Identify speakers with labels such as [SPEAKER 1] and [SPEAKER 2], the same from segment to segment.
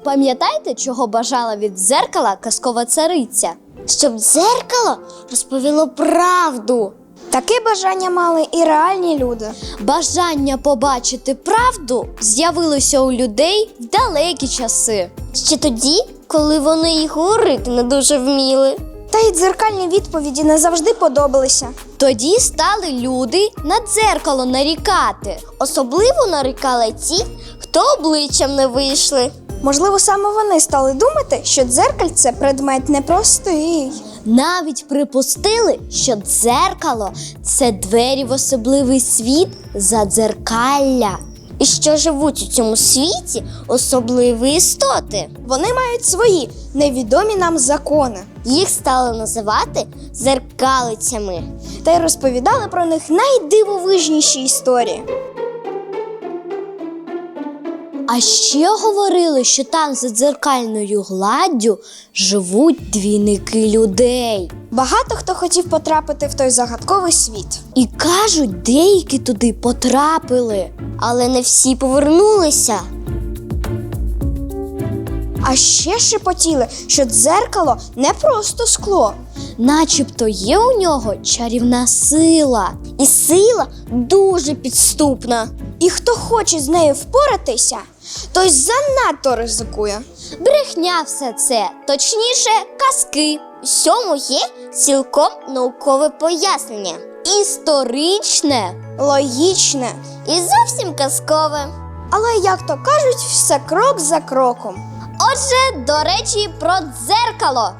[SPEAKER 1] пам'ятаєте, чого бажала від дзеркала казкова цариця?
[SPEAKER 2] Щоб дзеркало розповіло правду.
[SPEAKER 3] Таке бажання мали і реальні люди.
[SPEAKER 1] Бажання побачити правду з'явилося у людей в далекі часи.
[SPEAKER 2] Ще тоді, коли вони й говорити не дуже вміли.
[SPEAKER 3] Та й дзеркальні відповіді не завжди подобалися.
[SPEAKER 1] Тоді стали люди на дзеркало нарікати.
[SPEAKER 2] Особливо нарікали ті, хто обличчям не вийшли.
[SPEAKER 3] Можливо, саме вони стали думати, що дзеркальце – предмет непростий.
[SPEAKER 1] Навіть припустили, що дзеркало – це двері в особливий світ задзеркалля.
[SPEAKER 2] І що живуть у цьому світі особливі істоти.
[SPEAKER 3] Вони мають свої невідомі нам закони.
[SPEAKER 2] Їх стали називати дзеркалицями.
[SPEAKER 3] Та й розповідали про них найдивовижніші історії.
[SPEAKER 1] А ще говорили, що там за дзеркальною гладдю живуть двійники людей.
[SPEAKER 3] Багато хто хотів потрапити в той загадковий світ.
[SPEAKER 1] І кажуть, деякі туди потрапили.
[SPEAKER 2] Але не всі повернулися.
[SPEAKER 3] А ще шепотіли, що дзеркало не просто скло.
[SPEAKER 1] Начебто є у нього чарівна сила.
[SPEAKER 2] І сила дуже підступна.
[SPEAKER 3] І хто хоче з нею впоратися, той занадто ризикує.
[SPEAKER 1] Брехня все це, точніше, казки.
[SPEAKER 2] Всьому є цілком наукове пояснення.
[SPEAKER 1] Історичне.
[SPEAKER 3] Логічне.
[SPEAKER 2] І зовсім казкове.
[SPEAKER 3] Але, як то кажуть, все крок за кроком.
[SPEAKER 1] Отже, до речі, про дзеркало.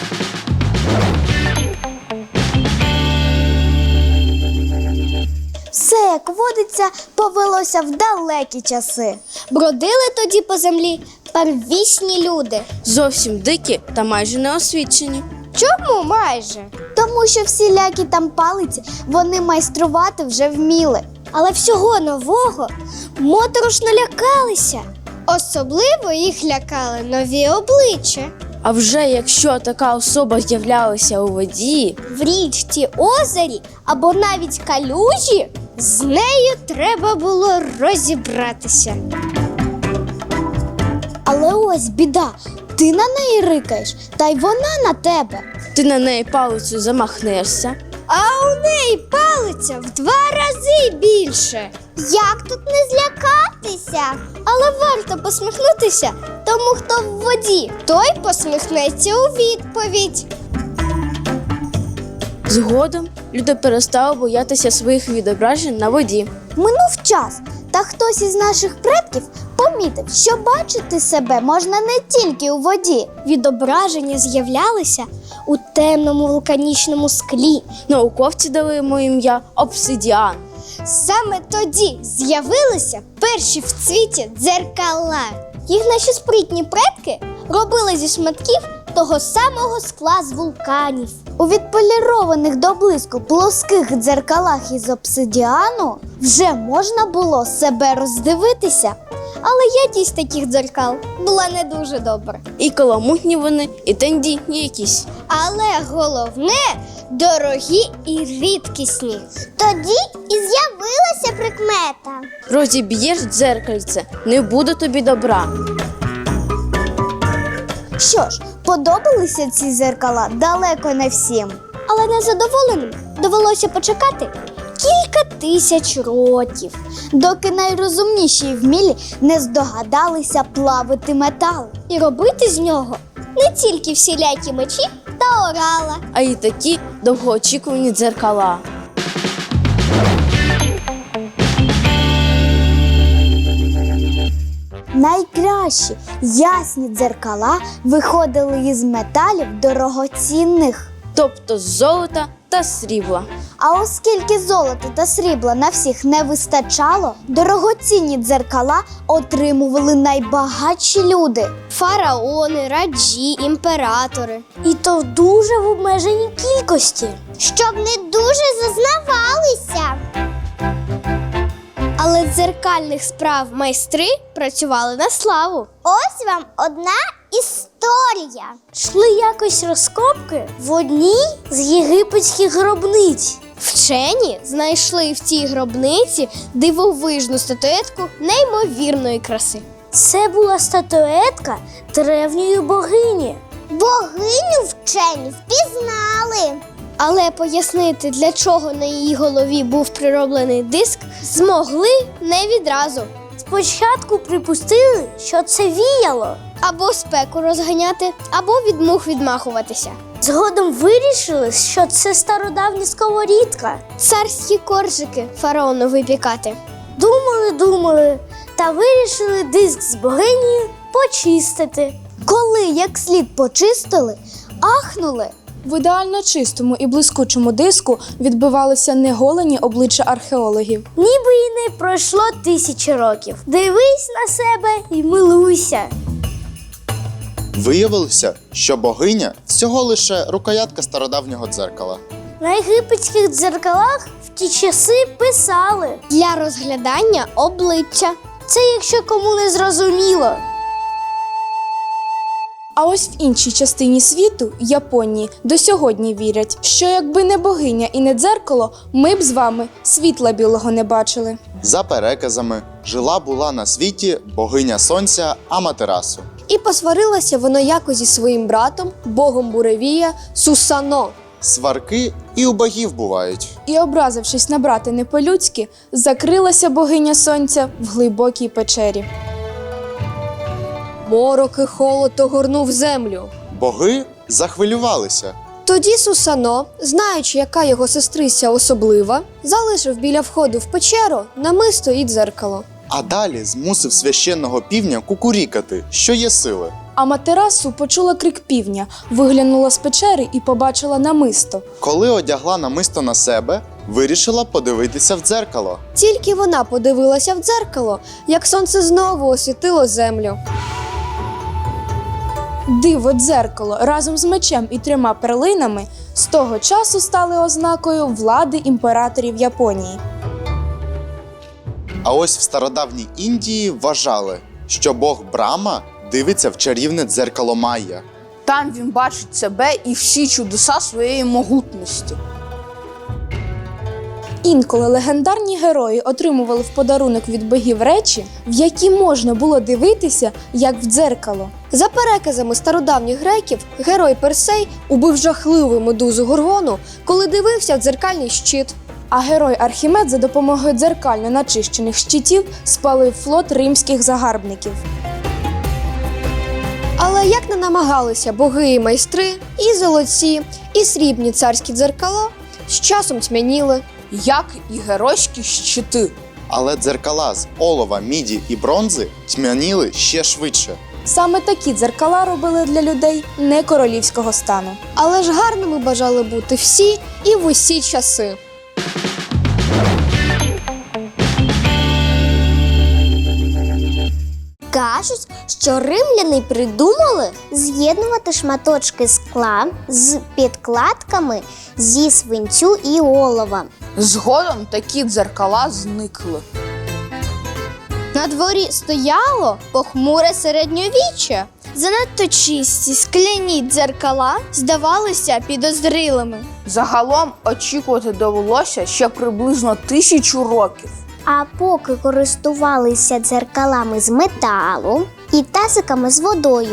[SPEAKER 3] Все, як водиться, повелося в далекі часи.
[SPEAKER 1] Бродили тоді по землі первісні люди.
[SPEAKER 4] Зовсім дикі та майже неосвічені.
[SPEAKER 3] Чому майже?
[SPEAKER 1] Тому що всілякі там палиці вони майструвати вже вміли. Але всього нового моторошно лякалися. Особливо їх лякали нові обличчя.
[SPEAKER 4] А вже якщо така особа з'являлася у воді,
[SPEAKER 1] В річці, озері або навіть калюжі, з нею треба було розібратися. Але ось біда, ти на неї рикаєш, та й вона на тебе.
[SPEAKER 4] ти на неї палицею замахнешся.
[SPEAKER 1] А у неї палиця в 2 рази більше.
[SPEAKER 2] Як тут не злякатися?
[SPEAKER 1] Але варто посміхнутися тому, хто в воді. Той посміхнеться у відповідь.
[SPEAKER 4] Згодом люди перестали боятися своїх відображень на воді.
[SPEAKER 1] Минув час, та хтось із наших предків помітив, що бачити себе можна не тільки у воді. Відображення з'являлися у темному вулканічному склі.
[SPEAKER 4] Науковці дали йому ім'я обсидіан.
[SPEAKER 1] Саме тоді з'явилися перші в світі дзеркала. Їх наші спритні предки робили зі шматків того самого скла з вулканів. У відполірованих до блиску плоских дзеркалах із обсидіану вже можна було себе роздивитися. Але якість таких дзеркал була не дуже добра.
[SPEAKER 4] І каламутні вони, і тендітні якісь.
[SPEAKER 1] Але головне – дорогі і рідкісні.
[SPEAKER 2] Тоді і з'явилася прикмета.
[SPEAKER 4] Розіб'єш дзеркальце, не буде тобі добра.
[SPEAKER 1] Що ж, подобалися ці дзеркала далеко не всім. Але незадоволеним довелося почекати кілька тисяч років, доки найрозумніші і вмілі не здогадалися плавити метал і робити з нього не тільки всілякі мечі та орала.
[SPEAKER 4] А й такі довгоочікувані дзеркала.
[SPEAKER 1] Найкращі ясні дзеркала виходили із металів дорогоцінних.
[SPEAKER 4] Тобто з золота та срібла.
[SPEAKER 1] А оскільки золота та срібла на всіх не вистачало, дорогоцінні дзеркала отримували найбагатші люди – фараони, раджі, імператори. І то в дуже в обмеженій кількості.
[SPEAKER 2] Щоб не дуже зазнавалися.
[SPEAKER 1] Але дзеркальних справ майстри працювали на славу.
[SPEAKER 2] Ось вам одна історія.
[SPEAKER 1] Йшли якось розкопки в одній з єгипетських гробниць. Вчені знайшли в цій гробниці дивовижну статуетку неймовірної краси.
[SPEAKER 2] Це була статуетка древньої богині.
[SPEAKER 1] Богиню вчені впізнали. Але пояснити, для чого на її голові був прироблений диск, змогли не відразу.
[SPEAKER 2] Спочатку припустили, що це віяло.
[SPEAKER 1] Або спеку розганяти, або від мух відмахуватися.
[SPEAKER 2] Згодом вирішили, що це стародавня сковорідка.
[SPEAKER 1] Царські коржики фараону випікати.
[SPEAKER 2] Думали та вирішили диск з богині почистити.
[SPEAKER 1] Коли як слід почистили, ахнули.
[SPEAKER 3] В ідеально чистому і блискучому диску відбивалися неголені обличчя археологів.
[SPEAKER 2] Ніби і не пройшло 1000 років. Дивись на себе і милуйся.
[SPEAKER 5] Виявилося, що богиня всього лише рукоятка стародавнього дзеркала.
[SPEAKER 2] На єгипетських дзеркалах в ті часи писали.
[SPEAKER 1] Для розглядання обличчя.
[SPEAKER 2] Це якщо кому не зрозуміло.
[SPEAKER 3] А ось в іншій частині світу, Японії, до сьогодні вірять, що якби не богиня і не дзеркало, ми б з вами світла білого не бачили.
[SPEAKER 5] За переказами, жила-була на світі богиня сонця Аматерасу.
[SPEAKER 6] І посварилася вона якось зі своїм братом, богом буревія Сусано.
[SPEAKER 5] Сварки і у богів бувають.
[SPEAKER 3] І, образившись на брата не по-людськи, закрилася богиня сонця в глибокій печері.
[SPEAKER 6] Морок і холод огорнув землю.
[SPEAKER 5] Боги захвилювалися.
[SPEAKER 6] Тоді Сусано, знаючи, яка його сестриця особлива, залишив біля входу в печеру намисто і дзеркало.
[SPEAKER 5] А далі змусив священного півня кукурікати, що є сили.
[SPEAKER 3] Аматерасу почула крик півня, виглянула з печери і побачила намисто.
[SPEAKER 5] Коли одягла намисто на себе, вирішила подивитися в дзеркало.
[SPEAKER 6] Тільки вона подивилася в дзеркало, як сонце знову освітило землю.
[SPEAKER 3] Диво дзеркало разом з мечем і 3 перлинами з того часу стали ознакою влади імператорів Японії.
[SPEAKER 5] А ось в стародавній Індії вважали, що бог Брама дивиться в чарівне дзеркало Майя.
[SPEAKER 7] Там він бачить себе і всі чудеса своєї могутності.
[SPEAKER 3] Інколи легендарні герої отримували в подарунок від богів речі, в які можна було дивитися, як в дзеркало.
[SPEAKER 6] За переказами стародавніх греків, герой Персей убив жахливу медузу Горгону, коли дивився в дзеркальний щит.
[SPEAKER 3] А герой Архімед за допомогою дзеркально начищених щитів спалив флот римських загарбників.
[SPEAKER 6] Але як не намагалися боги і майстри, і золоті, і срібні царські дзеркала з часом тьмяніли.
[SPEAKER 7] Як і геройські щити.
[SPEAKER 5] Але дзеркала з олова, міді і бронзи тьмяніли ще швидше.
[SPEAKER 3] Саме такі дзеркала робили для людей не королівського стану.
[SPEAKER 6] Але ж гарними бажали бути всі і в усі часи.
[SPEAKER 1] Кажуть, що римляни придумали з'єднувати шматочки скла з підкладками зі свинцю і олова.
[SPEAKER 7] Згодом такі дзеркала зникли.
[SPEAKER 1] На дворі стояло похмуре середньовіччя. Занадто чисті скляні дзеркала здавалися підозрілими.
[SPEAKER 7] Загалом очікувати довелося ще приблизно 1000 років.
[SPEAKER 1] А поки користувалися дзеркалами з металу і тазиками з водою.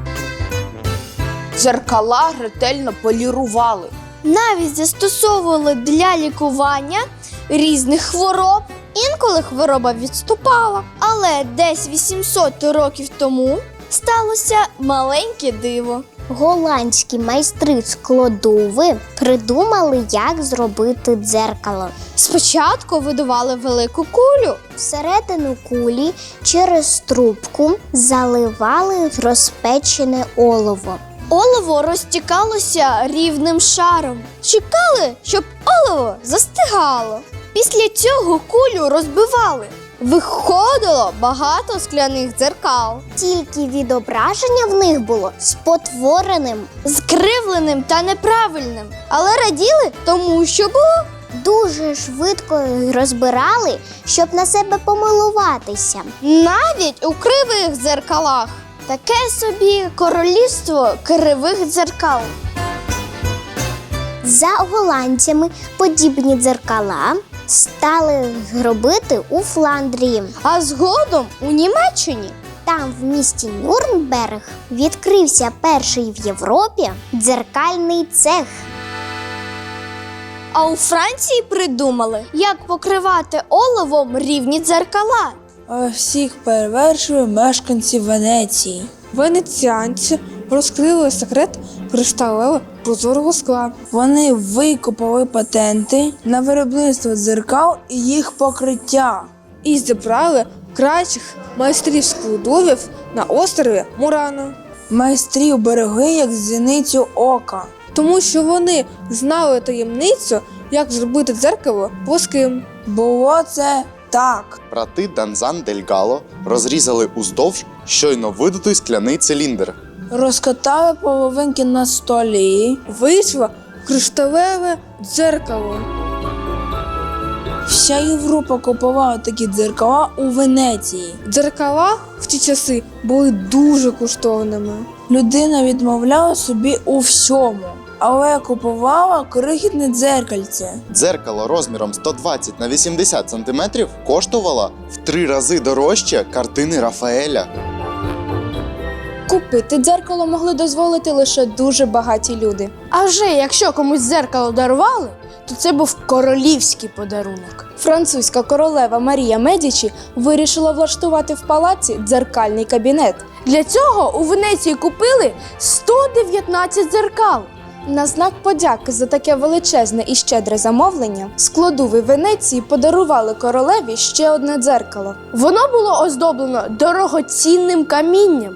[SPEAKER 7] Дзеркала ретельно полірували.
[SPEAKER 1] Навіть застосовували для лікування різних хвороб. Інколи хвороба відступала. Але десь 800 років тому сталося маленьке диво. Голландські майстри складови придумали, як зробити дзеркало. Спочатку видували велику кулю. Всередину кулі через трубку заливали розпечене олово. Олово розтікалося рівним шаром. Чекали, щоб олово застигало. Після цього кулю розбивали. Виходило багато скляних дзеркал. Тільки відображення в них було спотвореним, скривленим та неправильним. Але раділи тому, що було. Дуже швидко розбирали, щоб на себе помилуватися. Навіть у кривих дзеркалах. Таке собі королівство кривих дзеркал. За голландцями подібні дзеркала стали робити у Фландрії, а згодом у Німеччині. там, в місті Нюрнберг, відкрився перший в Європі дзеркальний цех.
[SPEAKER 2] А у Франції придумали, як покривати оловом рівні дзеркала.
[SPEAKER 8] А всіх перевершили мешканці Венеції.
[SPEAKER 3] Венеціанці розкрили секрет кришталево прозорого скла.
[SPEAKER 8] Вони викупили патенти на виробництво дзеркал і їх покриття.
[SPEAKER 3] І зібрали кращих майстрів складовів на острові Мурано.
[SPEAKER 8] Майстрів берегли як зіницю ока.
[SPEAKER 3] Тому що вони знали таємницю, як зробити дзеркало плоским.
[SPEAKER 8] Було це так.
[SPEAKER 5] Брати Данзан дель Гало розрізали уздовж щойно видутий скляний циліндр.
[SPEAKER 8] Розкатали половинки на столі.
[SPEAKER 3] Вийшло кришталеве дзеркало.
[SPEAKER 8] Вся Європа купувала такі дзеркала у Венеції.
[SPEAKER 3] Дзеркала в ті часи були дуже коштовними.
[SPEAKER 8] Людина відмовляла собі у всьому, але купувала крихітне дзеркальце.
[SPEAKER 5] Дзеркало розміром 120 на 80 см коштувало в 3 рази дорожче картини Рафаеля.
[SPEAKER 3] Купити дзеркало могли дозволити лише дуже багаті люди.
[SPEAKER 4] А вже якщо комусь дзеркало дарували, то це був королівський подарунок.
[SPEAKER 3] Французька королева Марія Медічі вирішила влаштувати в палаці дзеркальний кабінет.
[SPEAKER 4] Для цього у Венеції купили 119 дзеркал.
[SPEAKER 3] На знак подяки за таке величезне і щедре замовлення складови Венеції подарували королеві ще одне дзеркало.
[SPEAKER 4] Воно було оздоблено дорогоцінним камінням.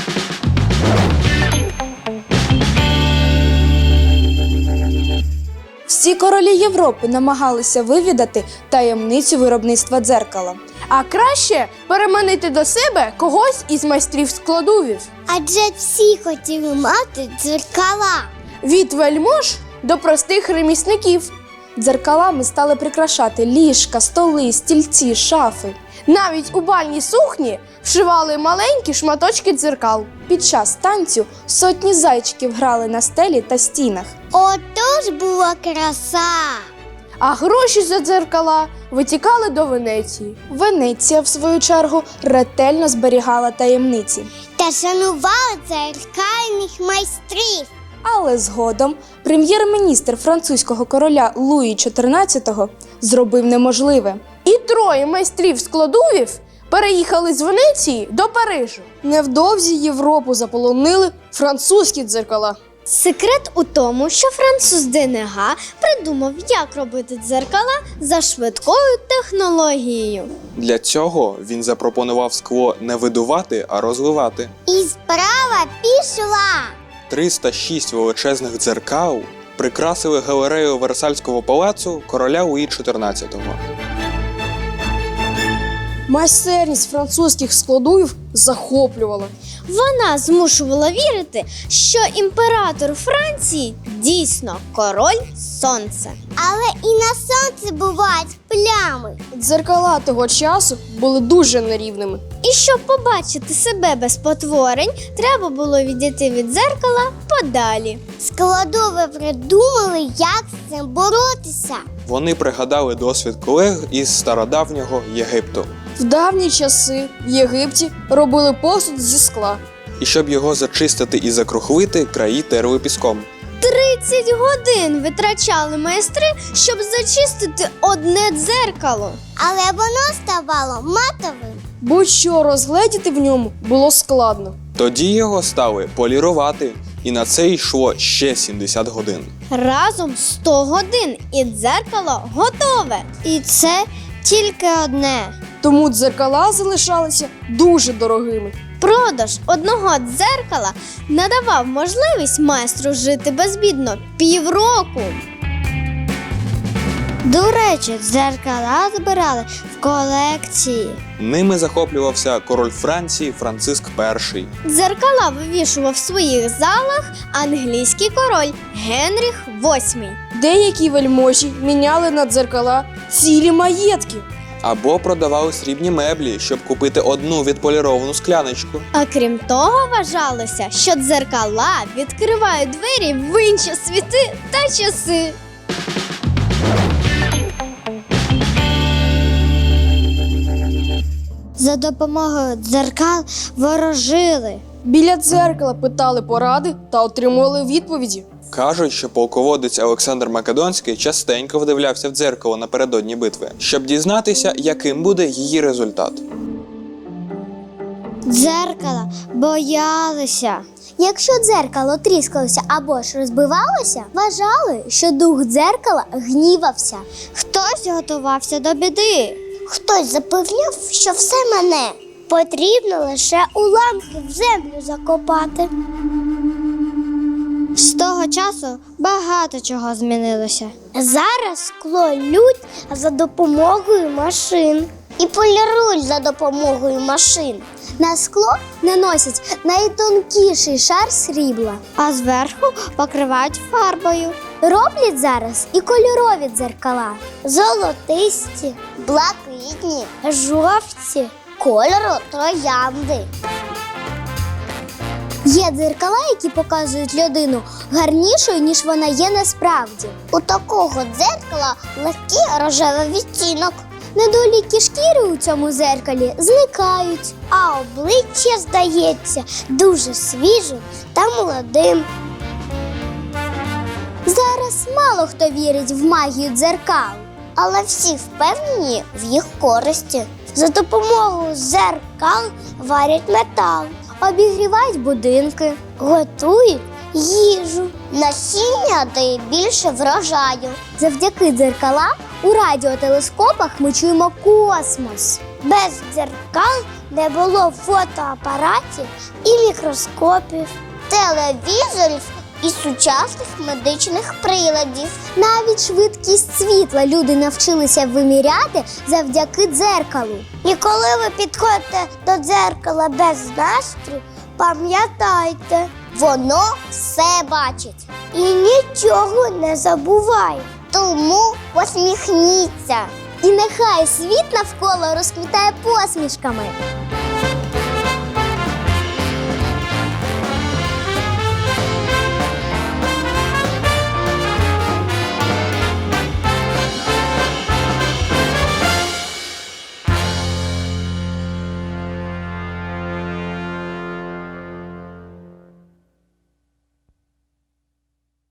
[SPEAKER 3] Всі королі Європи намагалися вивідати таємницю виробництва дзеркала.
[SPEAKER 4] А краще переманити до себе когось із майстрів складовів.
[SPEAKER 1] Адже всі хотіли мати дзеркала.
[SPEAKER 4] Від вельмож до простих ремісників.
[SPEAKER 3] Дзеркалами стали прикрашати ліжка, столи, стільці, шафи.
[SPEAKER 4] Навіть у бальній сукні вшивали маленькі шматочки дзеркал.
[SPEAKER 3] Під час танцю сотні зайчиків грали на стелі та стінах.
[SPEAKER 1] Отож була краса.
[SPEAKER 4] А гроші за дзеркала витікали до Венеції.
[SPEAKER 3] Венеція, в свою чергу, ретельно зберігала таємниці.
[SPEAKER 1] Та шанували дзеркальних майстрів.
[SPEAKER 3] Але згодом прем'єр-міністр французького короля Луї XIV зробив неможливе.
[SPEAKER 4] І 3 майстрів складовів переїхали з Венеції до Парижу.
[SPEAKER 2] Невдовзі Європу заполонили французькі дзеркала.
[SPEAKER 1] Секрет у тому, що француз Денега придумав, як робити дзеркала за швидкою технологією.
[SPEAKER 9] Для цього він запропонував скло не видувати, а розливати.
[SPEAKER 1] І справа пішла.
[SPEAKER 9] 306 величезних дзеркал прикрасили галерею Версальського палацу короля Луї XIV.
[SPEAKER 2] Майстерність французьких складовів захоплювала.
[SPEAKER 1] Вона змушувала вірити, що імператор Франції дійсно король сонця. Але і на сонці бувають плями.
[SPEAKER 2] Дзеркала того часу були дуже нерівними.
[SPEAKER 1] І щоб побачити себе без потворень, треба було відійти від дзеркала подалі. Складови придумали, як з цим боротися.
[SPEAKER 9] Вони пригадали досвід колег із стародавнього Єгипту.
[SPEAKER 2] В давні часи в Єгипті робили посуд зі скла.
[SPEAKER 9] І щоб його зачистити і закрухлити, краї терли піском.
[SPEAKER 1] 30 годин витрачали майстри, щоб зачистити одне дзеркало. Але воно ставало матовим.
[SPEAKER 2] Будь-що розгледіти в ньому було складно.
[SPEAKER 9] Тоді його стали полірувати, і на це йшло ще 70 годин.
[SPEAKER 1] Разом 100 годин і дзеркало готове. І це тільки одне.
[SPEAKER 2] Тому дзеркала залишалися дуже дорогими.
[SPEAKER 1] Продаж одного дзеркала надавав можливість майстру жити безбідно півроку. До речі, дзеркала збирали в колекції.
[SPEAKER 9] Ними захоплювався король Франції Франциск І.
[SPEAKER 1] Дзеркала вивішував в своїх залах англійський король Генріх VIII.
[SPEAKER 2] Деякі вельможі міняли на дзеркала цілі маєтки.
[SPEAKER 9] Або продавали срібні меблі, щоб купити одну відполіровану скляночку.
[SPEAKER 1] А крім того, вважалося, що дзеркала відкривають двері в інші світи та часи. За допомогою дзеркал ворожили.
[SPEAKER 6] Біля дзеркала питали поради та отримували відповіді.
[SPEAKER 9] Кажуть, що полководець Олександр Македонський частенько вдивлявся в дзеркало напередодні битви, щоб дізнатися, яким буде її результат.
[SPEAKER 1] Дзеркала боялися. Якщо дзеркало тріскалося або ж розбивалося, вважали, що дух дзеркала гнівався. Хтось готувався до біди. Хтось запевняв, що все мене. Потрібно лише уламки в землю закопати. З того часу багато чого змінилося. Зараз скло лють за допомогою машин. І полірують за допомогою машин. На скло наносять найтонкіший шар срібла, а зверху покривають фарбою. Роблять зараз і кольорові дзеркала. Золотисті, блакитні, жовті, кольору троянди. Є дзеркала, які показують людину гарнішою, ніж вона є насправді. У такого дзеркала легкий рожевий відтінок. Недоліки шкіри у цьому дзеркалі зникають, а обличчя здається дуже свіжим та молодим. Зараз мало хто вірить в магію дзеркал, але всі впевнені в їх користі. За допомогою дзеркал варять метал, обігрівають будинки, готують їжу. Насіння дає більше врожаю. Завдяки дзеркалам у радіотелескопах ми чуємо космос. Без дзеркал не було фотоапаратів і мікроскопів, телевізорів і сучасних медичних приладів. Навіть швидкість світла люди навчилися виміряти завдяки дзеркалу. І коли ви підходите до дзеркала без настрою, пам'ятайте, воно все бачить і нічого не забуває. Тому посміхніться. І нехай світ навколо розквітає посмішками.